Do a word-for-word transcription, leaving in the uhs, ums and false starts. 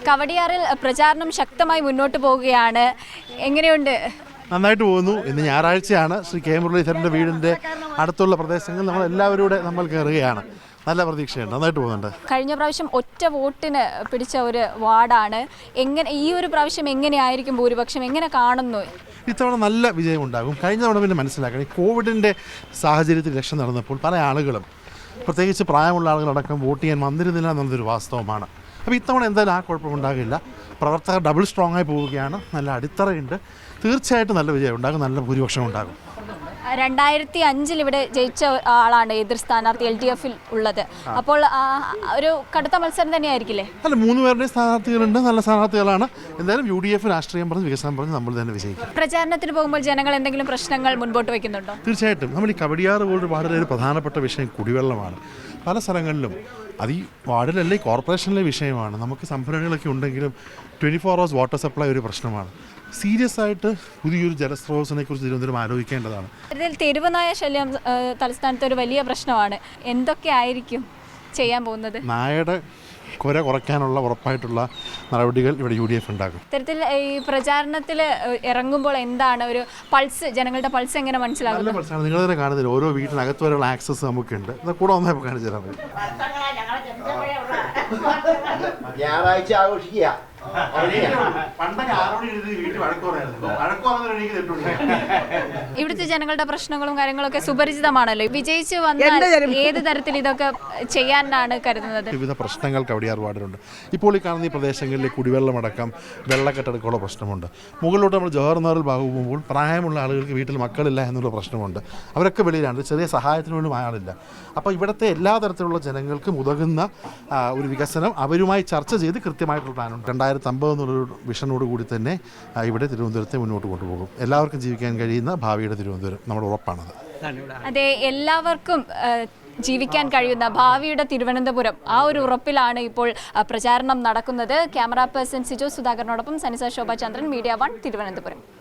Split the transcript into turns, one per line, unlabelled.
കവടിയാറിൽ പ്രചാരണം ശക്തമായി മുന്നോട്ട് പോവുകയാണ്. എങ്ങനെയുണ്ട്?
നന്നായിട്ട് പോകുന്നു. ഇന്ന് ഞായറാഴ്ചയാണ്. ശ്രീ കെ മുരളീധരൻ്റെ വീടിൻ്റെ അടുത്തുള്ള പ്രദേശങ്ങൾ നമ്മൾ എല്ലാവരും നമ്മൾ കയറുകയാണ്. നല്ല പ്രതീക്ഷയുണ്ട്. നന്നായിട്ട് പോകുന്നുണ്ട്.
കഴിഞ്ഞ പ്രാവശ്യം ഒറ്റ വോട്ടിന് പിടിച്ച ഒരു വാർഡാണ്. എങ്ങനെ ഈ ഒരു പ്രാവശ്യം എങ്ങനെയായിരിക്കും ഭൂരിപക്ഷം, എങ്ങനെ കാണുന്നു?
ഇത്തവണ നല്ല വിജയം ഉണ്ടാകും. കഴിഞ്ഞ തവണ പിന്നെ മനസ്സിലാക്കണം, ഈ കോവിഡിൻ്റെ സാഹചര്യത്തിൽ ഇലക്ഷൻ നടന്നപ്പോൾ പല ആളുകളും, പ്രത്യേകിച്ച് പ്രായമുള്ള ആളുകളടക്കം വോട്ട് ചെയ്യാൻ വന്നിരുന്നില്ല എന്നുള്ളതൊരു വാസ്തവമാണ്. അപ്പോൾ ഇത്തവണ എന്തായാലും ആ കുഴപ്പമുണ്ടാകില്ല. പ്രവർത്തകർ ഡബിൾ സ്ട്രോങ് ആയി പോവുകയാണ്. നല്ല അടിത്തറയുണ്ട്. തീർച്ചയായിട്ടും നല്ല വിജയം ഉണ്ടാകും. നല്ല ഭൂരിപക്ഷം ഉണ്ടാകും.
രണ്ടായിരത്തി അഞ്ചിൽ ഇവിടെ ജയിച്ച ആളാണ് എതിർ സ്ഥാനാർത്ഥി എൽ ഡി എഫിൽ ഉള്ളത്. അപ്പോൾ ഒരു കടുത്ത മത്സരം തന്നെയായിരിക്കില്ലേ?
അല്ല, മൂന്ന് പേരുടെയും സ്ഥാനാർത്ഥികളുണ്ട്. നല്ല സ്ഥാനാർത്ഥികളാണ്. എന്തായാലും യു ഡി എഫ് രാഷ്ട്രീയം പറഞ്ഞ് വികസനം പറഞ്ഞ് നമ്മൾ തന്നെ വിജയിക്കും.
പ്രചാരണത്തിന് പോകുമ്പോൾ ജനങ്ങൾ എന്തെങ്കിലും പ്രശ്നങ്ങൾ മുൻപോട്ട് വയ്ക്കുന്നുണ്ടോ?
തീർച്ചയായിട്ടും. നമ്മൾ ഈ കവടിയാറ് പോലൊരു വാർഡിലെ ഒരു പ്രധാനപ്പെട്ട വിഷയം കുടിവെള്ളമാണ്. പല സ്ഥലങ്ങളിലും അത് ഈ വാർഡിലല്ല, ഈ കോർപ്പറേഷനിലെ വിഷയമാണ്. നമുക്ക് സംഭരണികളൊക്കെ ഉണ്ടെങ്കിലും twenty four hours water supply ഒരു പ്രശ്നമാണ്. സീരിയസ് ആയിട്ട് പുതിയൊരു ജലസ്രോതസ്സിനെ കുറിച്ച് തിരുവനന്തപുരം ആലോചിക്കേണ്ടതാണ്.
ഇതിൽ തെരുവുനായ ശല്യം തലസ്ഥാനത്ത് ഒരു വലിയ പ്രശ്നമാണ്. എന്തൊക്കെ ആയിരിക്കും ചെയ്യാൻ പോകുന്നത്?
നായയുടെ കുര കുറയ്ക്കാനുള്ള ഉറപ്പായിട്ടുള്ള നടപടികൾ ഇവിടെ യു ഡി എഫ് ഉണ്ടാകും.
ഇത്തരത്തിൽ ഈ പ്രചാരണത്തിൽ ഇറങ്ങുമ്പോൾ എന്താണ് ഒരു പൾസ്, ജനങ്ങളുടെ പൾസ് എങ്ങനെ മനസ്സിലാകും?
നല്ല പൾസാണ്. നിങ്ങൾ തന്നെ കാണുന്നില്ല, ഓരോ വീട്ടിനകത്ത് വരെയുള്ള ആക്സസ് നമുക്കുണ്ട്. കൂടെ ഒന്നേ കാണിച്ചു തരാൻ പറ്റും.
ഞായറാഴ്ച ആഘോഷിക്കുക.
ഇവിടുത്തെ ജനങ്ങളുടെ പ്രശ്നങ്ങളും കാര്യങ്ങളൊക്കെ സുപരിചിതമാണല്ലോ. വിജയിച്ച് വന്നാൽ ഏത് തരത്തിൽ ഇതൊക്കെ ചെയ്യാനാണ് കരുതുന്നത്?
വിവിധ പ്രശ്നങ്ങൾ കവടിയാർ വാർഡിലുണ്ട്. ഇപ്പോൾ ഈ കാണുന്ന ഈ പ്രദേശങ്ങളിൽ കുടിവെള്ളമടക്കം വെള്ളക്കെട്ടടക്കമുള്ള പ്രശ്നമുണ്ട്. മുകളിലോട്ട് നമ്മൾ ജവഹർലാൽ ബാഗു പോകുമ്പോൾ പ്രായമുള്ള ആളുകൾക്ക് വീട്ടിൽ മക്കളില്ല എന്നുള്ള പ്രശ്നമുണ്ട്. അവരൊക്കെ വെളിയിലാണ്. ചെറിയ സഹായത്തിന് പോലും ആളില്ല. അപ്പോൾ ഇവിടുത്തെ എല്ലാ തരത്തിലുള്ള ജനങ്ങൾക്കും ഉതകുന്ന ഒരു വികസനം അവരുമായി ചർച്ച ചെയ്ത് കൃത്യമായിട്ടുള്ള പ്ലാനുണ്ട്. രണ്ടായിരത്തി അമ്പത് എന്നുള്ളൊരു വിഷനോട് കൂടി തന്നെ ഇവിടെ തിരുവനന്തപുരത്തെ മുന്നോട്ട് കൊണ്ടുപോകും. എല്ലാവർക്കും ജീവിക്കാൻ കഴിയുന്ന ഭാവിയുടെ തിരുവനന്തപുരം നമ്മുടെ ഉറപ്പാണത്.
അതെ, എല്ലാവർക്കും ജീവിക്കാൻ കഴിയുന്ന ഭാവിയുടെ തിരുവനന്തപുരം, ആ ഒരു ഉറപ്പിലാണ് ഇപ്പോൾ പ്രചാരണം നടക്കുന്നത്. ക്യാമറ പേഴ്സൺ സിജോ സുധാകരനോടൊപ്പം സനിസ ശോഭ ചന്ദ്രൻ, മീഡിയ വൺ, തിരുവനന്തപുരം.